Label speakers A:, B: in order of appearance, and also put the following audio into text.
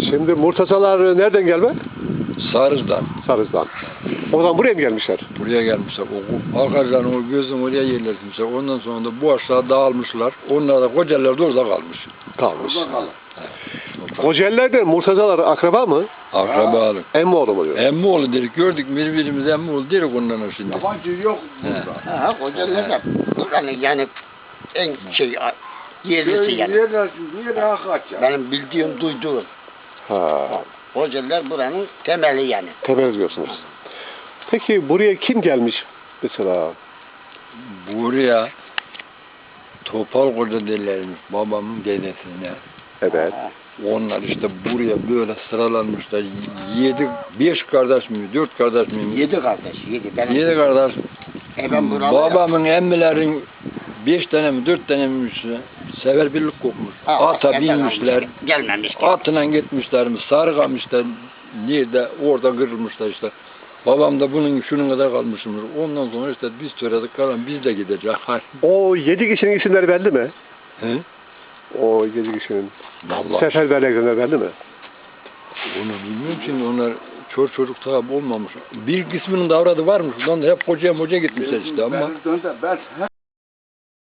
A: Şimdi Murtazalar nereden gelme?
B: Sarız'dan.
A: Sarız'dan. O zaman buraya mı gelmişler?
B: Buraya gelmişler. O arkadaşların o gözün oraya yerleşmişler. Ondan sonra da bu aşağı dağılmışlar. Onlar da Kocaeliler de orada kalmış.
A: Kalmış.
B: Evet.
A: Kocaelilerden Murtazalar akraba mı?
B: Akrabalık.
A: Emmoğlu mu diyor?
B: Emmoğlu dedik. Gördük birbirimizi Emmoğlu dedik ondan şimdi.
C: Yabancı yok burada.
D: Ha, Kocaeliler yani en yerlisi yani.
C: Yeri hakikat ya.
D: Benim bildiğim, duyduğum.
A: Ha.
D: Kocaeliler buranın temeli yani.
A: Temel diyorsunuz. Peki buraya kim gelmiş mesela?
B: Buraya Topal Koca derlermiş babamın dedesine.
A: Evet.
B: Onlar işte buraya böyle sıralanmışlar. 5 kardeş mi, 4 kardeş mi?
D: 7 kardeş, 7. Benim
B: 7 kardeş.
D: ben buralı
B: Babamın emmilerin 5 tane mi 4 tane mi seferberlik kokmuş. Ata binmişler.
D: Gelmemiş.
B: Atına gitmişler mi, sarıkamışlar. Nerede orada kırılmışlar işte. Babam da bunun şunun kadar kalmışmış. Ondan sonra işte biz söyledik kalan biz de gideceğiz.
A: O 7 kişinin isimleri belli mi?
B: He?
A: O 7 kişinin
B: Vallahi
A: seferberlikleri belli mi?
B: onu bilmiyorum şimdi onlar çocuk tabi olmamış. Bir kısmının davradı varmış. Ondan da hep hocaya gitmişler işte ama.
C: Ben